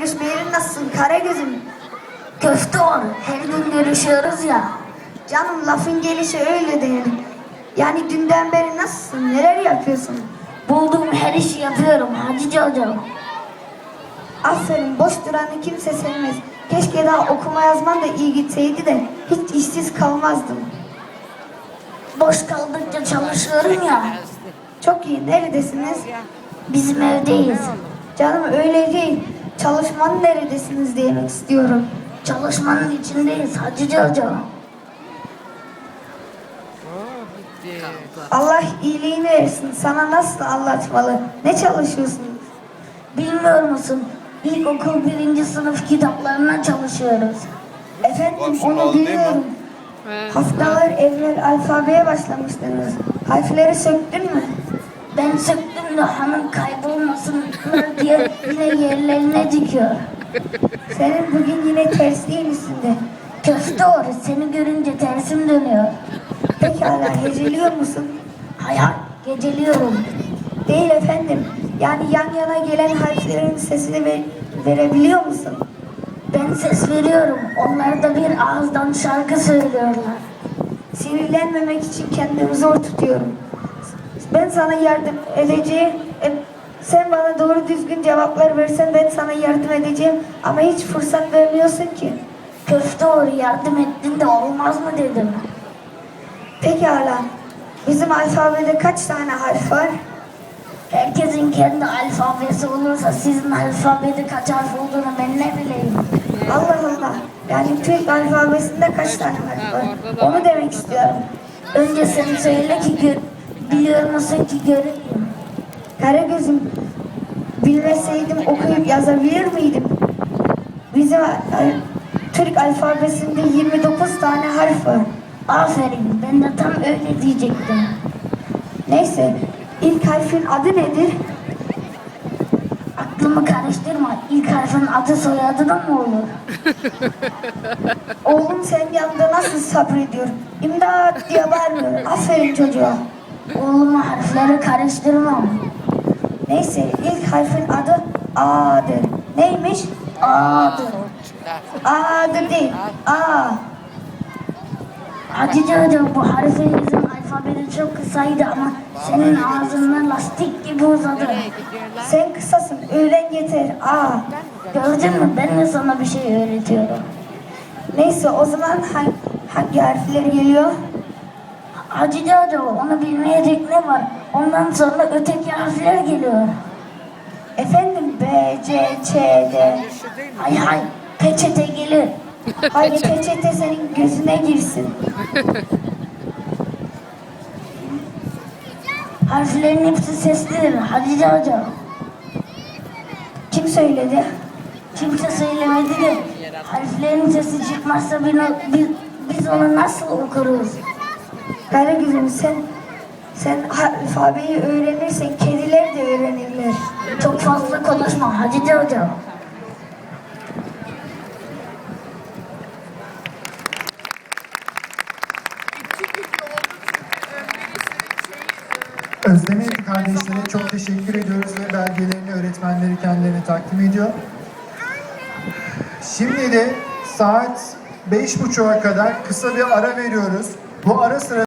görüşmeyeli nasılsın Karagöz'üm? Köfte var. Her gün görüşüyoruz ya. Canım lafın gelişi öyle değil. Yani dünden beri nasılsın? Neler yapıyorsun? Bulduğum her işi yapıyorum Hacı hocam. Aferin, boş duranı kimse sevmez. Keşke daha okuma yazman da iyi gitseydi de hiç işsiz kalmazdım. Boş kaldıkça çalışıyorum ya. Çok iyi, neredesiniz? Bizim evdeyiz. Canım öyle değil. Çalışmanın neredesiniz demek istiyorum. Çalışmanın içindeyiz Hacı hocam. Allah iyiliğini versin. Sana nasıl anlatmalı? Ne çalışıyorsunuz? Bilmiyor musun? İlkokul 1. sınıf kitaplarına çalışıyoruz. Efendim onu biliyorum. Haftalar evvel alfabeye başlamıştınız. Harfleri söktün mü? Ben söktüm de hanım kaybolmasınlar diye yine yerlerine dikiyor. Senin bugün yine tersliğin üstünde. Köfte var. Seni görünce tersim dönüyor. Pekala, heceliyor musun? Hayal geceliyorum. Değil efendim. Yani yan yana gelen harflerin sesini verebiliyor musun? Ben ses veriyorum. Onlar da bir ağızdan şarkı söylüyorlar. Sinirlenmemek için kendimi zor tutuyorum. Ben sana yardım edeceğim. Sen bana doğru düzgün cevaplar versen ben sana yardım edeceğim. Ama hiç fırsat vermiyorsun ki. Köfte var, yardım ettin de olmaz mı dedim. Pekala. Bizim alfabede kaç tane harf var? Herkesin kendi alfabesi olursa sizin alfabede kaç harf olduğunu ben ne bileyim. Allah Allah. Yani Türk alfabesinde kaç tane harf var? Onu demek istiyorum. Önce sen söyle ki biliyor musun ki göreyim. Karagöz'üm, bilmeseydim okuyup yazabilir miydim? Bizim Türk alfabesinde 29 tane harf var. Aferin, ben de tam öyle diyecektim. Neyse, ilk harfin adı nedir? Aklımı karıştırma. İlk harfin adı soyadı da mı olur? Oğlum sen yanında nasıl sabrediyor? İmdat diye bağırmıyor. Aferin çocuğa. Oğluma harfleri karıştırmam. Neyse, ilk harfin adı A'dır. Neymiş? A'dır. A'dır değil, A. Hacı hocam, bu harfinizin alfabeti çok kısaydı ama senin ağzından lastik gibi uzadı. Sen kısasın, öğren yeter, A. Gördün mü? Ben de sana bir şey öğretiyorum. Neyse, o zaman hangi harfler geliyor? Hacı hocam, onu bilmeyecek ne var? Ondan sonra öteki harfler geliyor. Efendim, B, C, Ç, D. Hay hay, peçete gelir. Hayır, peçete senin gözüne girsin. Harflerin hepsi seslidir Hacı hocam. Kim söyledi? Kimse söylemedi de harflerin sesi çıkmazsa biz onu nasıl okuruz? Karagöz'üm, sen alfabeyi öğrenirsen kediler de öğrenirler. Çok fazla konuşma Hacı hocam. Özdemir kardeşlere çok teşekkür ediyoruz ve belgelerini öğretmenleri kendilerine takdim ediyor. Şimdi de saat 5.30'a kadar kısa bir ara veriyoruz. Bu ara sırasında